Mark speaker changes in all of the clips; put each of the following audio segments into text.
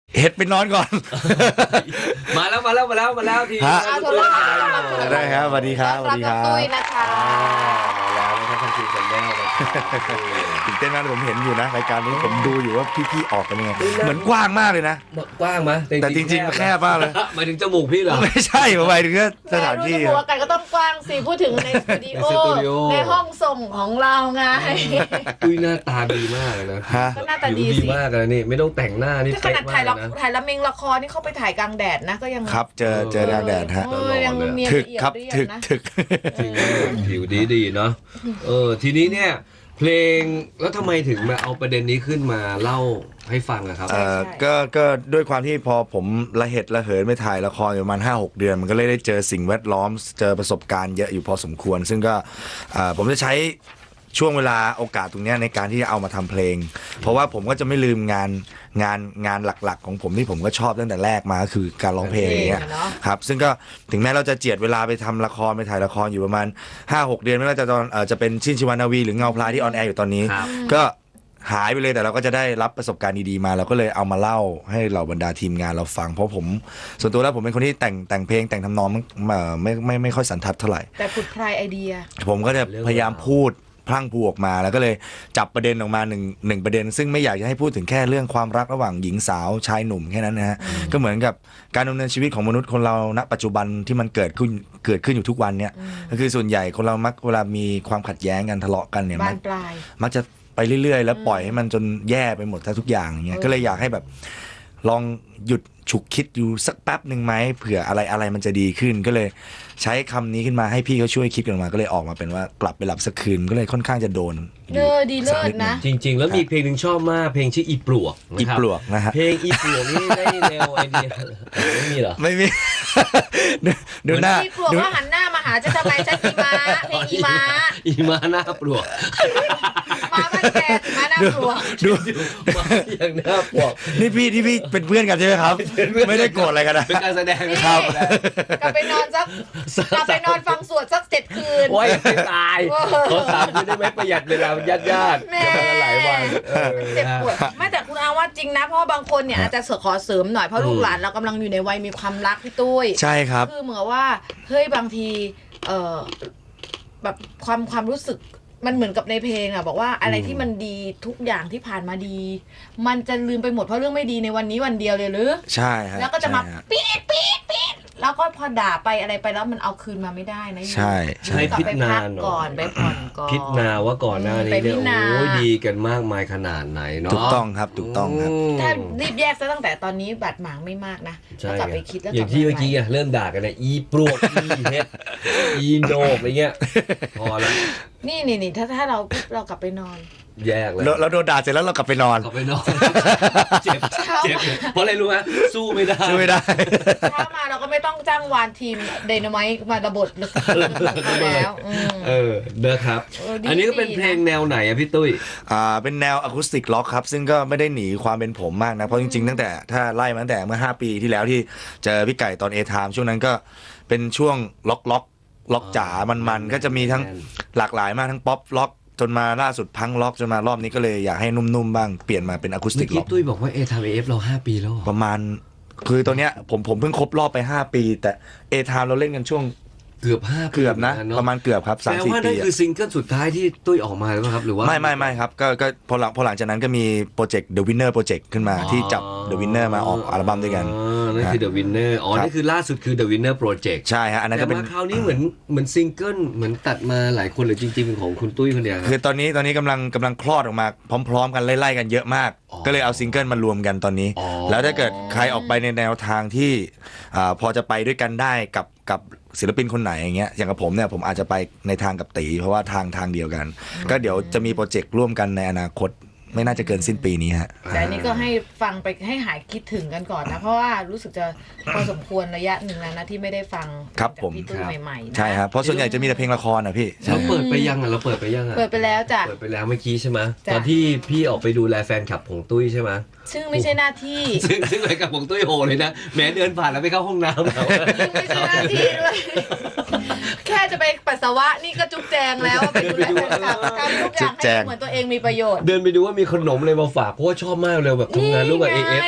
Speaker 1: เห็ดไปนอนก่อน
Speaker 2: มาแล้วที
Speaker 1: ฮะ
Speaker 3: ได้
Speaker 1: ได้ครับสวัสดีครับสวัสดีครับ
Speaker 3: ตุ้ยนะคะ
Speaker 2: มาแล้วนะครับท่านทีมสัญญาเลย
Speaker 1: ตื่นเต้นมากเลยผมเห็นอยู่นะรายการนี้ผมดูอยู่ว่าพี่ๆออกกันยังไงเหมือนกว้างมากเลยนะ
Speaker 2: กว้างไหม
Speaker 1: แต่จริงๆมันแคบมากเลย
Speaker 2: หมายถึงจมูกพี่เหรอ
Speaker 1: ไม่ใช่ผมหมายถึงแค่สถานที่
Speaker 3: แต่รู้สึกว่ากันก็ต้องกว้างสิพูดถึงในสตูดิโอ
Speaker 2: ในสตูดิโอ
Speaker 3: ในห้องส่งของเราไง
Speaker 2: ตุ้ยหน้าตาดีมากเลยนะ
Speaker 1: ฮะ
Speaker 3: ก็หน้าตาดี
Speaker 2: ผิว
Speaker 3: สิ
Speaker 2: มากเลยนี่ไม่ต้องแต่งหน้านี่
Speaker 3: ก็ข
Speaker 2: เป๊ะ
Speaker 3: นาด
Speaker 2: มา
Speaker 3: ถ่าย
Speaker 2: ก
Speaker 3: ละ
Speaker 2: เลยนะ
Speaker 3: ถ่ายละเมงละครนี่เข้าไปถ่ายกลางแดดนะก็ยัง
Speaker 1: ครับเจอแดงแดดฮะ
Speaker 3: ยังเนียน
Speaker 1: ถึก
Speaker 3: ละเอียด
Speaker 1: ครับ
Speaker 3: ละเอียด
Speaker 1: ถึก
Speaker 3: นะ
Speaker 1: ถึก
Speaker 2: ผิวดีเนาะทีนี้เนี่ยเพลงแล้วทำไมถึงมาเอาประเด็นนี้ขึ้นมาเล่าให้ฟังอะครับ
Speaker 1: ก็ด้วยความที่พอผมระเหตุระเหินไปถ่ายละครอยู่ประมาณ 5-6 เดือน มันก็เลยได้เจอสิ่งแวดล้อมเจอประสบการณ์เยอะอยู่พอสมควร ซึ่งก็ผมจะใช้ช่วงเวลาโอกาสตรงเนี้ยในการที่จะเอามาทำเพลง เพราะว่าผมก็จะไม่ลืมงานหลักๆของผมที่ผมก็ชอบตั้งแต่แรกมาก็คือการร้องเพลงอย่างเงี้ยครับซึ่งก็ถึงแม้เราจะเจียดเวลาไปทำละครไปถ่ายละครอยู่ประมาณ 5-6 เดือนไม่ว่าจะตอนจะเป็นชินชิวานาวีหรือเงาพลายที่ออนแอร์อยู่ตอนนี้
Speaker 2: ครับ
Speaker 1: ก็หายไปเลยแต่เราก็จะได้รับประสบการณ์ดีๆมาเราก็เลยเอามาเล่าให้เหล่าบรรดาทีมงานเราฟังเพราะผมส่วนตัวแล้วผมเป็นคนที่แต่งเพลงแต่งทำนองไม่ค่อยสันทัดเท่าไหร่
Speaker 3: แต่ผุดพรายไอเดีย
Speaker 1: ผมก็จะพยายามพูดพลั่งพลูออกมาแล้วก็เลยจับประเด็นออกมาหนึ่งประเด็น ซึ่งไม่อยากจะให้พูดถึงแค่เรื่องความรักระหว่างหญิงสาวชายหนุ่มแค่นั้นนะฮะก็เหมือนกับการดำเนินชีวิตของมนุษย์คนเราณปัจจุบันที่มันเกิดขึ้นอยู่ทุกวันเนี่ยก็คือส่วนใหญ่คนเรามักเวลามีความขัดแย้งกันทะเลาะกันเนี่ย
Speaker 3: บานปลาย
Speaker 1: มักจะไปเรื่อยๆ แล้วปล่อยให้มันจนแย่ไปหมดทุกอย่างอย่างเงี้ยก็เลยอยากให้แบบลองหยุดฉุกคิดอยู่สักแป๊บหนึ่งไหมเผื่ออะไรมันจะดีขึ้นก็เลยใช้คำนี้ขึ้นมาให้พี่เขาช่วยคิดกันมาก็เลยออกมาเป็นว่ากลับไปหลับสักคืนก็เลยค่อนข้างจะโดนอยู่
Speaker 3: ดีเลิศนะ
Speaker 2: จริง ๆ แล้วมีเพลงหนึ่งชอบมากเพลงชื่ออีปลวก
Speaker 1: อี
Speaker 2: นะครับ
Speaker 1: ปลวกนะฮะ
Speaker 2: เพลงอีปลวกนี่ได้แนวไอเดียไม่มีเหรอ
Speaker 1: ไม่มี ดูหน้า
Speaker 3: พี่กลัวว่าหันหน้ามาหาจะทำไมฉันอีมาเพลงอีมา
Speaker 2: อีมาหน้าปลวก
Speaker 3: มาบ้านแกมาหน้าปลวก
Speaker 1: ดู
Speaker 2: มาอย่างหน้าปลวก
Speaker 1: นี่พี่เป็นเพื่อนกันใช่ไหมครับ ไม่ได้โกรธอะไรกันนะ
Speaker 2: เป็นการแสดง
Speaker 1: ครับ
Speaker 3: กลับไปนอนกลับไปนอนฟังสวดสัก7 คืน
Speaker 2: โอ้ยไม่ตายขอ3 คืนได้ไหมประหยัดเวลาญาติ
Speaker 3: แม่
Speaker 2: หลายวัน
Speaker 3: เจ็บปวดไม่แต่คุณอาว่าจริงนะเพราะบางคนเนี่ยอาจจะขอเสริมหน่อยเพราะลูกหลานเรากำลังอยู่ในวัยมีความรักพี่ตุ้ย
Speaker 1: ใช่ครับ
Speaker 3: คือเหมือนว่าเฮ้ยบางทีแบบความรู้สึกมันเหมือนกับในเพลงอ่ะบอกว่าอะไรที่มันดีทุกอย่างที่ผ่านมาดี มันจะลืมไปหมดเพราะเรื่องไม่ดีในวันนี้วันเดียวเลยหรือ
Speaker 1: ใช่ฮะ
Speaker 3: แล้วก็จะมา
Speaker 1: ใช่ฮ
Speaker 3: ปี๊ดแล้วก็พอด่าไปอะไรไปแล้วมันเอาคืนมาไม่ได้นะ
Speaker 1: ใช่ใช่
Speaker 2: ให้
Speaker 3: กลับ
Speaker 2: พิจ
Speaker 3: ไป
Speaker 2: นา
Speaker 3: พัก
Speaker 2: หน่
Speaker 3: ก่อ
Speaker 2: อน ย
Speaker 3: ไปผ่อนก่อน
Speaker 2: พิจนาว่าก่อนหน้านี้
Speaker 3: ไปพิ
Speaker 2: เนี่ย
Speaker 3: จารณา
Speaker 2: โอ้ยดีกันมากมายขนาดไหนเนาะ
Speaker 1: ถูกต้องครับถูกต้องครับ
Speaker 3: ถ้ารีบแยกซะตั้งแต่ตอนนี้บาดหมางไม่มากนะ
Speaker 2: ใช่
Speaker 3: แล้วกลับ
Speaker 2: ไง
Speaker 3: ไปคิดแล้ว
Speaker 2: อย่างที่เมื่อกี้อะเริ่มด่ากันเนี่ยอีปลวกอีเฮ็ดอีโหนกอะไรเงี้ยพอแล้ว
Speaker 3: นี่ถ้าเรากลับไปนอน
Speaker 2: แยกเลย
Speaker 1: เราโดนด่าเสร็จแล้วเรากลับไปนอน
Speaker 2: กลับไปนอนเจ็บเพราะอะไรรู้ไหมสู้ไม่ได้
Speaker 1: ช่วยไม่ได้
Speaker 3: เช้ามาเราก็ไม่ต้องจ้างวานทีมไดนาไมต์มาระบดแล้ว
Speaker 2: นะครับ
Speaker 3: ดี
Speaker 2: อันนี้ก็เป็นเพลงแนวไหนอะพี่ตุ้ย
Speaker 1: เป็นแนวอะคูสติกล็อกครับ ซึ่งก็ไม่ได้หนีความเป็นผมมากนะ เพราะจริงๆตั้งแต่ถ้าไล่มาตั้งแต่เมื่อ5 ปีที่แล้วที่เจอพี่ไก่ตอน A-Time ช่วงนั้นก็เป็นช่วงล็อกจ๋ามันก็จะมีทั้งหลากหลายมากทั้งป๊อปล็อกจนมาล่าสุดพังล็อกจนมารอบนี้ก็เลยอยากให้นุ่มๆบ้างเปลี่ยนมาเป็นอะคูสติ
Speaker 2: เมื่อก กี้
Speaker 1: ล็อก
Speaker 2: ตุ้ยบอกว่าทำเอฟเรา5 ปีแล้วเหรอ
Speaker 1: ประมาณคือตอนเนี้ยผมเพิ่งครบรอบไป5 ปี แต่ A-Time เราเล่นกันช่วง
Speaker 2: เกือบ5 ปี
Speaker 1: เกือบนะ
Speaker 2: เหมือ
Speaker 1: ประมาณเกือบครับ
Speaker 2: แปลว่า
Speaker 1: 3-4 ปี
Speaker 2: นั่นคือซิงเกิลสุดท้ายที่ตุ้ยออกมาหรือเปล่าครับหรือว่า
Speaker 1: ไม่ครับก็พอหลังจากนั้นก็มีโปรเจกต์ The Winner Project ขึ้นมาที่จับ The Winner มาออกอัลบั้มด้วยกัน
Speaker 2: นั่นคือ The Winner นี่คือล่าสุดคือ The Winner Project
Speaker 1: ใช่ฮะอันนั้น
Speaker 2: แต่
Speaker 1: ก็เป็น
Speaker 2: มาคราวนี้เหมือนซิงเกิลเหมือนตัดมาหลายคนหรือจริงๆเป็นของคุณตุ้ยคนเดียว
Speaker 1: คือตอนนี้กำลังคลอดออกมาพร้อมๆกันไล่ๆกันเยอะมาก ก็เลยเอาซิงเกิลมารวมกันตอนนี้ แล้วถ้าเกิดใครออกไปในแนวทางที่พอจะไปด้วยกันได้กับศิลปินคนไหนอย่างเงี้ยอย่างกับผมเนี่ยผมอาจจะไปในทางกับตีเพราะว่าทางเดียวกัน ก็เดี๋ยวจะมีโปรเจกต์ร่วมกันในอนาคตไม่น่าจะเกินสิ้นปีนี้ฮะ
Speaker 3: แต่อันนี้ก็ให้ฟังไปให้หายคิดถึงกันก่อนนะ เพราะว่ารู้สึกจะพอสมควรระยะหนึ่งแล้วนะที่ไม่ได้ฟัง
Speaker 1: ครับ
Speaker 3: จาก
Speaker 1: ผม
Speaker 3: พี่ตุ้ยใหม่ๆนะ
Speaker 1: ใช่ครับเพราะส่วนใหญ่จะมีแต่เพลงละครนะพี่
Speaker 2: เราเปิดไปยังอ่ะ
Speaker 3: เปิดไปแล้วจ้ะ
Speaker 2: เปิดไปแล้วเมื่อกี้ใช่ไหม
Speaker 3: จ้ะ
Speaker 2: ตอนที่พี่ออกไปดูแลแฟนคลับของตุ้ยใช่ไหม
Speaker 3: ซึ่งไม่ใช่หน้าที่
Speaker 2: ซึ่งแฟนคลับของตุ้ยโหเลยนะแม้เดินผ่านแล้วไปเข้าห้องน้ำแล้ว
Speaker 3: ไม่ใช่หน้าที่ด้วยแค่จะไปปัสสาวะนี่ก็จุกแจงแล้วไปดูแลแฟนคลับทำทุกอย่างให้เหมือนตัวเองมีประโยชน์
Speaker 2: เดินไปดูว่ามีขนมอะไรมาฝากเพราะว่าชอบมากเลยแบบทำงานร่วมกับ AF ไง
Speaker 3: อุ้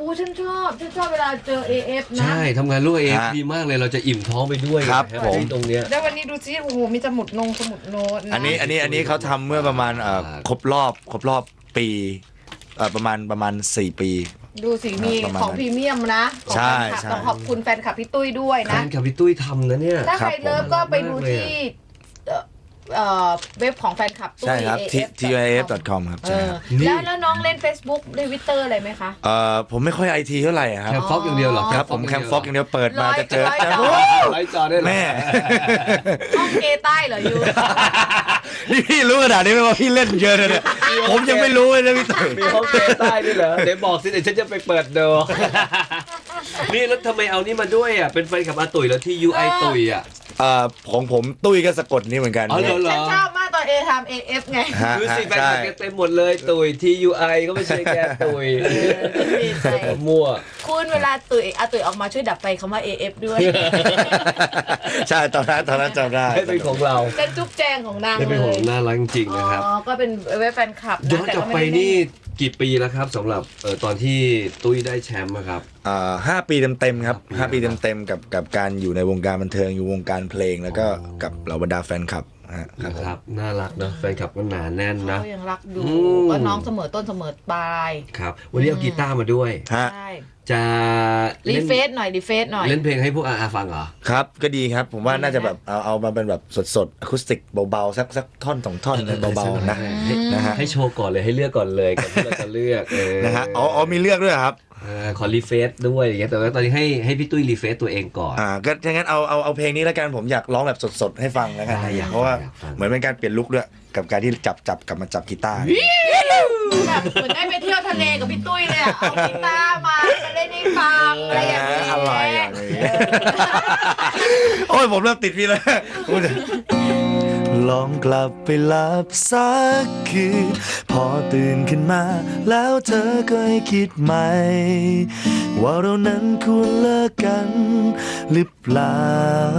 Speaker 3: ฉันชอบเวลาเจอ AF นะ
Speaker 2: ใช่ทำงานร่วมเอฟ
Speaker 1: ฮะ
Speaker 2: ดีมากเลยเราจะอิ่มท้องไปด้วย
Speaker 1: ครับ
Speaker 2: แฮป
Speaker 1: ผม
Speaker 2: ปี้ตรงเนี้ย
Speaker 3: แล้ววันนี้ดูซิโอ้โหมีสมุดโน้ตนะ
Speaker 1: อันนี้เขาทำเมื่อประมาณครบรอบปีประมาณ4 ปี
Speaker 3: ดูสิมี
Speaker 1: ประมาณ
Speaker 3: ของพรีเมียมนะของ
Speaker 1: ใช่
Speaker 3: แฟนคลับ
Speaker 1: ใช่
Speaker 3: ต้องขอบคุณแฟนคลับพี่ตุ้ยด้วย
Speaker 2: แฟ
Speaker 3: นะ
Speaker 2: นกับพี่ตุ้ยทำนะเนี่ย
Speaker 3: ถ้า
Speaker 1: ครั
Speaker 3: ใค
Speaker 1: บ
Speaker 3: รเลิฟ
Speaker 1: ผม
Speaker 3: ก็ไปดู
Speaker 2: มากเลย
Speaker 3: ที่เว็บของแฟนคลับตุ้ย
Speaker 1: ใช่ครับ TIF.com ครับ
Speaker 3: เอ
Speaker 1: ใช่
Speaker 3: อ
Speaker 1: ครับ
Speaker 3: แล้วน้องเล่น Facebook ในวิตเตอร์อะไรไหมคะ
Speaker 1: ผมไม่ค่อยไอทีเท่าไหร่อะครับ
Speaker 2: แคมฟ็อกอย่างเดียวเหรอ
Speaker 1: ครับผมแคมฟ็อกอย่างเดียวเปิดมาจะเจอ
Speaker 3: ร้อยจอ
Speaker 2: ไลฟ์จอได้เหรอ
Speaker 1: แม่
Speaker 3: ห้องเกย์ใต้เหรอยู
Speaker 1: นี่พี่รู้ขนาดนี้ไหมว่าพี่เล่นเยอะเลยเนี่ยผมยังไม่รู้เลยนะพี่ตุ๋ย
Speaker 2: มีห้องเกย์ใต้ด้วยเหรอเดี๋ยวบอกสิเดี๋ยวฉันจะไปเปิดดู นี่แล้วทำไมเอานี่มาด้วยอ่ะเป็นแฟนกับอาตุ๋ยแล้วที่ UI ตุ๋ยอ่ะ
Speaker 1: ของผมตุ้ยก็สะกดนี่เหมือนกัน
Speaker 2: อ๋อเหรอ
Speaker 3: ฉันชอบมากตอนทำ AF ไง
Speaker 1: ฮะ
Speaker 2: ดูสิแฟน
Speaker 1: ใช่
Speaker 2: คลับแกเต็มหมดเลยตุ๋ย TUI ก็ไม่ใช่แกตุ๋ย
Speaker 3: ดีใจ
Speaker 2: มั่ว
Speaker 3: คุณเวลาอาตุ๋ยออกมาช่วยดับไฟคำว่า AF ด้วย
Speaker 1: ใช่ตอนนั้นจำได้
Speaker 2: ให้เป็นของเรา
Speaker 3: เป็นจุ๊บแจงของนาง
Speaker 2: ให้
Speaker 3: เล
Speaker 2: เป็นของ
Speaker 3: ย
Speaker 2: น่ารักจริงๆนะครับ
Speaker 3: อ๋อ ก็เป็นเว็บแฟนคลับ
Speaker 2: ย้อนกลับไปนี่กี่ปีแล้วครับสำหรับตอนที่ตุ้ยได้แชมป์อะครับ
Speaker 1: 5 ปีเต็มๆครับ
Speaker 2: ห้าปี
Speaker 1: 5 ปีเต็มๆกับการอยู่ในวงการบันเทิงอยู่วงการเพลงแล้วก็กับเหล่าบรรดาแฟนคลับฮะครับผม
Speaker 2: นะครับน่ารักเนอะแฟนคลับก็หนาแน่นนะ
Speaker 3: เขายังรักดู
Speaker 2: อืม
Speaker 3: ก็น้องเสมอต้นเสมอปลาย
Speaker 2: ครับวันนี้เอากีตาร์มาด้วย
Speaker 1: ฮะ
Speaker 3: ใช่
Speaker 2: จะ
Speaker 3: รี
Speaker 2: เล่น
Speaker 3: เฟซหน่อย
Speaker 2: เล่นเพลงให้พวกอาฟังเหรอ
Speaker 1: ครับก็ดีครับผมว่าน่าจะแบบเอามาเป็นแบบสดๆอะคูสติกเบาๆสักท่อน2 ท่อนเลยเบาๆนะนะฮะ
Speaker 2: ให้โชว์ก่อนเลยให้เลือกก่อนเลยก่อนที่เราจะเลือก
Speaker 1: นะฮะอ๋อมีเลือกด้วยเหรอครับ
Speaker 2: ขอรีเฟซด้วยอย่างเงี้ยแต่ว่าตอนนี้ให้พี่ตุ้ยรีเฟซตัวเองก่อน
Speaker 1: ก็ถ้างั้นเอาเพลงนี้แล้วกันผมอยากร้องแบบสดๆให้ฟังแล้วกัน
Speaker 2: ได้อยาก
Speaker 1: เพราะว่า
Speaker 2: อยากฟัง
Speaker 1: เหมือนเป็นการเปลี่ยนลุคด้วยกับการที่จับกลับมาจับกีตาร์
Speaker 3: แบบเหมือนได้ไปเที่ยวทะเลกับพี่ตุ้ยเลยอะเอากีตาร์มาเล่นให้ฟังอะไรอย่างนี้
Speaker 1: อะไรอย่างนี้โอ้ยผมเริ่มติดพี่แล้วลองกลับไปหลับสักคืนพอตื่นขึ้นมาแล้วเธอก็ให้คิดใหม่ ว่าเรานั้นควรเลิกกันหรือเปล่า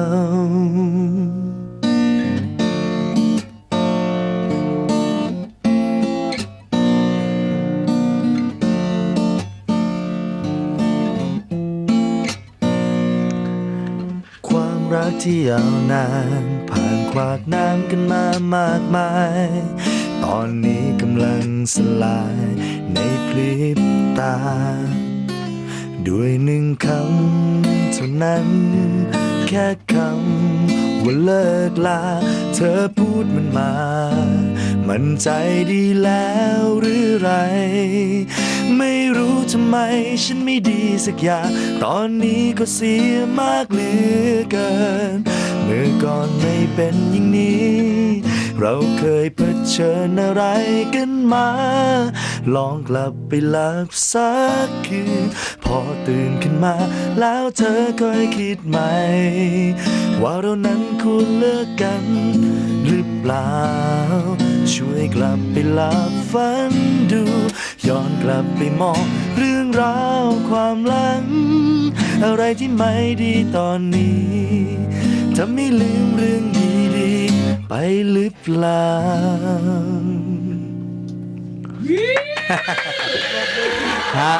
Speaker 1: ความรักที่ยาวนานผ่านขวากน้ำกันมามากมาย ตอนนี้กำลังสลายในพริบตา ด้วย1 คำเท่านั้น แค่คำว่าเลิกลา เธอพูดมันมา มันใจดีแล้วหรือไร ไม่รู้ทำไมฉันไม่ดีสักอย่าง ตอนนี้ก็เสียมากเหลือเกิน เมื่อก่อนไม่เป็นอย่างนี้ เราเคยเผชิญอะไรกันมา ลองกลับไปหลับสักคืนพอตื่นขึ้นมาแล้วเธอก็ให้คิดใหม่ ว่าเรานั้นควรเลิกกันหรือเปล่า ช่วยกลับไปหลับฝันดู ย้อนกลับไปมองเรื่องราวความหลัง อะไรที่ไม่ดีตอนนี้จะไม่ลืมเรื่องดีๆไปหรือเปล่า ฮะ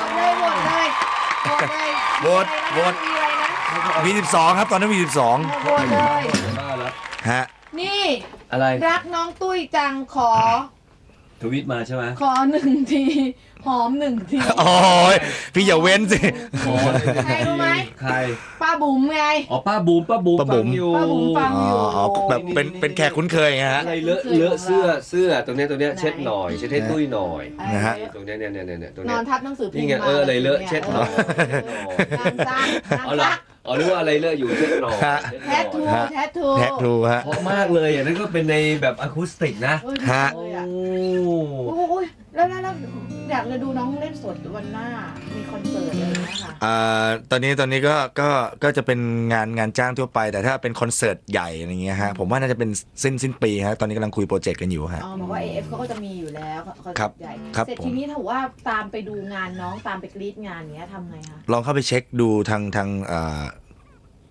Speaker 1: โหวต
Speaker 3: มีอะไรนะ
Speaker 1: มี12ครับตอนนั้นมี12
Speaker 3: โหวตเลย
Speaker 1: ฮะ
Speaker 3: นี่
Speaker 2: อะไร
Speaker 3: รักน้องตุ้ยจังขอ
Speaker 2: ทวิตมาใช่ไหม
Speaker 3: ขอ1 ทีหอม1 ที
Speaker 1: โอ้ยพี่อย่าเว้นสิ
Speaker 2: ขอเลย
Speaker 3: ใครรู้ไหม
Speaker 2: ใคร
Speaker 3: ป้าบุ๋มไง
Speaker 2: อ๋อป้าบูม
Speaker 1: ป้าบุ๋ม
Speaker 2: ฟังอยู่
Speaker 3: ป้าบุ๋มฟัง
Speaker 1: อ๋อแบบเป็นแขกคุ้นเคยไงฮะ
Speaker 2: อะไรเลอะเสื้อตรงเนี้ยเช็ดหน่อยเช็ดให้ตุ้ยหน่อย
Speaker 1: นะฮะ
Speaker 2: ตรงเนี้ยตรง
Speaker 3: น
Speaker 2: เนี้
Speaker 3: อย นทับหนังสือพิม
Speaker 2: นี่
Speaker 3: พ์
Speaker 2: ไง
Speaker 3: มา
Speaker 2: อะไรเลอะเช็ดหน่อย
Speaker 3: งานสร้างงาน
Speaker 2: เอา
Speaker 3: ส
Speaker 2: ละ
Speaker 3: ร้าง
Speaker 2: อ๋อนึกว่าอะไรเลอะอยู่เช็ดหน่อย
Speaker 1: ฮะ
Speaker 3: แทททู
Speaker 1: ฮะ
Speaker 3: แทททู
Speaker 1: แท็กทูฮะ
Speaker 2: เพราะมากเลยอ่ะนั่นก็เป็นในแบบอะคูสติกนะ
Speaker 3: เอ้ย
Speaker 1: ฮะ
Speaker 3: ดีเลย
Speaker 2: โอ้
Speaker 3: อะโอ้ยแล้วอยากจะดูน้องเล่นสดวันหน้า มีคอนเสิร์ตเลยนะคะ
Speaker 1: ตอนนี้ก็จะเป็นงานจ้างทั่วไป แต่ถ้าเป็นคอนเสิร์ตใหญ่อะไรเงี้ยฮะผมว่าน่าจะเป็นสิ้นปีฮะตอนนี้กำลังคุยโปรเจกต์กันอยู่ฮะ
Speaker 3: อ๋อบอกว่า AF เขาก็จะมีอยู่แล้วคอน
Speaker 1: ครั
Speaker 3: เสิ
Speaker 1: บ
Speaker 3: ร์ตใหญ่
Speaker 1: ครับ
Speaker 3: เสร็จ
Speaker 1: ผม
Speaker 3: ทีนี้ถ้าว่าตามไปดูงานน้องตามไปกรีดงานเนี้ยทำไงคะ
Speaker 1: ลองเข้าไปเช็คดูทาง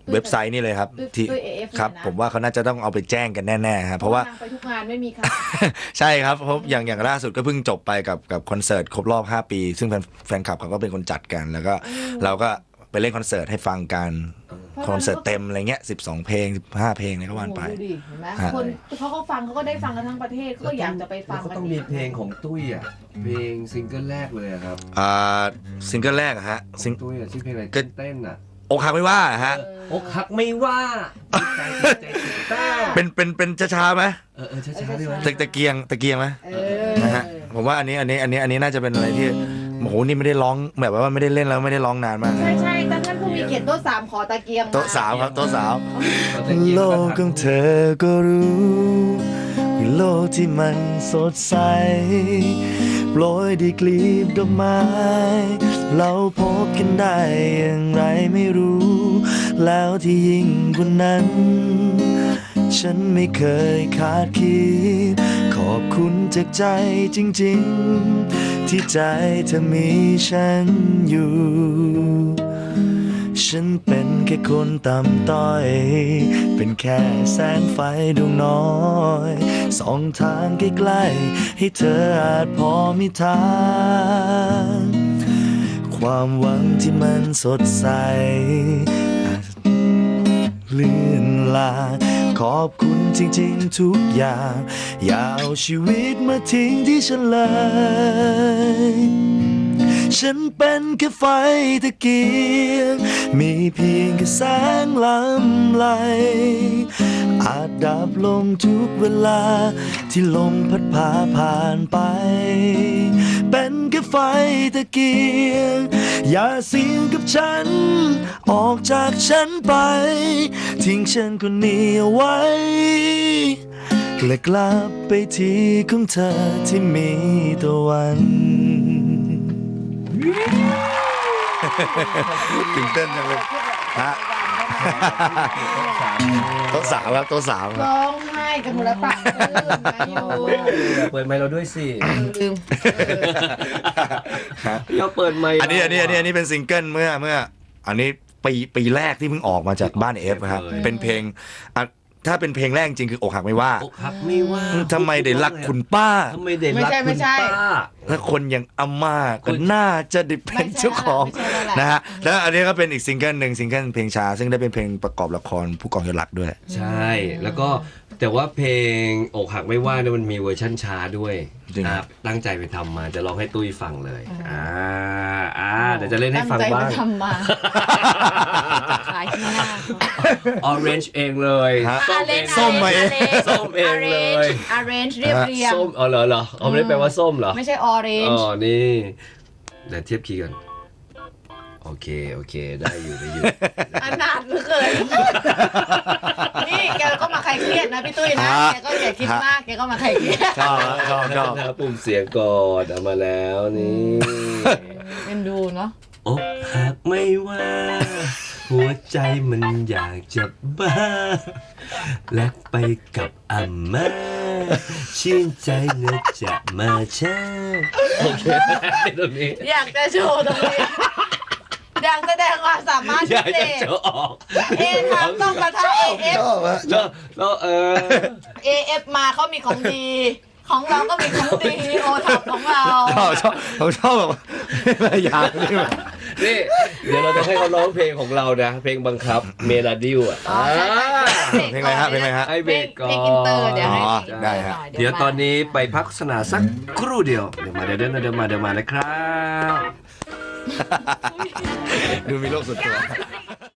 Speaker 1: เว็บไซต์นี่เลยครับที่
Speaker 3: ด้วย AF
Speaker 1: ครับ
Speaker 3: เนี่ยนะ
Speaker 1: ผมว่าเขาน่าจะต้องเอาไปแจ้งกันแน่ๆครับเพราะว่า
Speaker 3: นงไปทุกงานไม่มีค่ะ
Speaker 1: ใช่ครับเพราะอย่างล่าสุดก็เพิ่งจบไปกับคอนเสิร์ตครบรอบ 5 ปี ซึ่งแฟนคลับเขาก็เป็นคนจัดกัน แล้วก็เราก็ไปเล่นคอนเสิร์ตให้ฟังกันคอนเสิร์ตเต็มอะไรเงี้ย12 เพลง15 เพลงเนี่ยก็ว่านไป
Speaker 3: โอ้โหดูดิเห็นไหม
Speaker 1: ฮะ
Speaker 3: คนเขาก็ฟังเขาก็ได้ฟังกันทั้งประเทศเขาก็อยากจะไปฟัง
Speaker 2: ก็
Speaker 3: กัน
Speaker 2: ต้องมีเพลงของตุ้ยอ่ะเพลงซิงเกิลแรกเลยอะครับ
Speaker 1: ซิงเกิลแรกอะฮะ
Speaker 2: ของตุ้ยอะชื่อเพลงอะไร
Speaker 1: ก็
Speaker 2: เต้นอ่ะ
Speaker 1: อกหักไม่ว่าอะฮะ
Speaker 2: อกหักไม่ว่าใจใจเต้น
Speaker 1: เป็นช้าๆไหม
Speaker 2: ช้าๆดีไหม
Speaker 1: ตะเกียงไหม
Speaker 3: เออ
Speaker 1: นะฮะผมว่าอันนี้น่าจะเป็นอะไรที่โอ้โหนี่ไม่ได้ร้องแบบว่าไม่ได้เล่นแล้วไม่ได้ร้องนานมาก
Speaker 3: ใช่ใช่แต่ท่านผู้มีเกียรติโต๊ะสามขอตะเกียงมา
Speaker 1: โต๊ะสาวครับโต๊ะสาว
Speaker 2: ตะเกียง
Speaker 1: โล
Speaker 2: ก็
Speaker 1: ก
Speaker 2: ทั
Speaker 1: ของเธอก็รู้ว่าโลกที่มันสดใสโปรยด้วยกลีบดอกไม้ เราพบกันได้อย่างไรไม่รู้ แล้วที่ยิ่งกว่านั้น ฉันไม่เคยคาดคิดขอบคุณจากใจจริงๆ ที่ใจเธอมีฉันอยู่ ฉันเป็นแค่คนต่ำต้อย เป็นแค่แสงไฟดวงน้อยส่องทางใกล้ๆให้เธออาจพอมีทาง ความหวังที่มันสดใสอาจเลื่อนลางขอบคุณจริงๆทุกอย่าง อย่าเอาชีวิตมาทิ้งที่ฉันเลย ฉันเป็นแค่ไฟตะเกียง มีเพียงแค่แสงลำไหล อาจดับลงทุกเวลาที่ลมพัดพาผ่านไป เป็นแค่ไฟตะเกียง อย่าเสี่ยงกับฉัน ออกจากฉันไป ทิ้งฉันคนนี้เอาไว้ และกลับไปที่ของเธอที่มีตะวันตื่นเต้นจังเลยฮะโต๊ะสาวครับโต๊ะสาวครับ
Speaker 3: ร้องไห้กันหมดแล้วปากลื่นนะอยู่
Speaker 2: เปิดไมค์เราด้วยสิ
Speaker 3: ลืม
Speaker 2: เราเปิดไมค์
Speaker 1: อันนี้เป็นซิงเกิลเมื่ออันนี้ปีแรกที่เพิ่งออกมาจากบ้านเอฟครับเป็นเพลงอ่ะถ้าเป็นเพลงแรกจริงคืออกหักไม่ว่า
Speaker 2: อกหักไม่ว่า
Speaker 1: ทำไมได้รักคุณป้า
Speaker 2: ทำไมได้รักคุณป้า
Speaker 1: ถ้าคนอย่างอาม่าก็น่าจะได้เป็นเจ้าของ
Speaker 3: ไม่ใช่แล้วแหละ
Speaker 1: นะฮะแล้วอันนี้ก็เป็นอีกซิงเกิลหนึ่งซิงเกิลเพลงช้าซึ่งได้เป็นเพลงประกอบละครผู้กองยศหลักด้วย
Speaker 2: ใช่ แล้วก็แต่ว่าเพลงอกหักไม่ว่าเนี่ยมันมีเวอร์ชั่นช้าด้วย
Speaker 1: จริง
Speaker 2: นะครับตั้งใจไปทำมาจะร้องให้ตุ้ยฟังเลยเดี๋ยวจะเล่นให้ฟังบ้าง
Speaker 3: ตั้ใจไปทำมาขายที่หน้า
Speaker 2: Orange เองเลย
Speaker 1: ฮะ
Speaker 2: ส้มเอง
Speaker 1: ส้มมาเอง
Speaker 2: ส้มเองเลย
Speaker 3: arrange เรียบเรียง
Speaker 2: ส้มเหรอเอาไม่ได้แปลว่าส้มเหรอ
Speaker 3: ไม่ใช่
Speaker 2: อ๋
Speaker 3: orange
Speaker 2: อนี่เดี๋ยวเทียบคีย์กันโอเคได้อยู่
Speaker 3: อันนาดเหลือเกินนี่แกก็มาใครเครียดนะพี่ตุ้ยนะ แกก็อย่าคิดมากแกก็มาใครเครียด
Speaker 1: ชอบชอบ
Speaker 2: นะปุ่มเสียงก่อนเอามาแล้วนี่
Speaker 3: เป็นดูเนาะ
Speaker 2: อกหักไม่ว่า หัวใจมันอยากจะบ้าแลกไปกับอาม่าชื่นใจเนื้อจะมาแช่โอเคตรงนี้
Speaker 3: อยากจะโชว์ตรงนี้อยากแสดงความสามารถ
Speaker 2: อ
Speaker 3: พิ
Speaker 2: ยาก
Speaker 3: เศ
Speaker 2: จะ
Speaker 3: ษ
Speaker 2: โชว์ออก
Speaker 3: เอทามต้องประทะ AF
Speaker 1: ชอบอะ
Speaker 2: แล้ว
Speaker 3: AF มาเขามีของดี ของเราก็มีของดีโอท็อปของเรา
Speaker 1: ชอบแบบไม่อยากนี่แบบ
Speaker 2: นี่เดี๋ยวเราจะให้เขาร้องเพลงของเรานะเพลงบังคับเมลาดิวอ่ะ
Speaker 3: อ๋อใช่ใช่
Speaker 1: เพลงอะไรฮะเพลงอะไรฮะ
Speaker 2: ให้เบรกก่อน
Speaker 3: เพลงอินเตอร์เดี๋ยวให้
Speaker 1: อ๋อ
Speaker 3: เพลง
Speaker 1: ได้ฮะ
Speaker 3: หน่อย
Speaker 2: เดี๋ยวตอนนี้ไปพักโฆษณาสักครู่เดียวเดี๋ยวมานะครับ
Speaker 1: ดูมีโลกส่วนตัว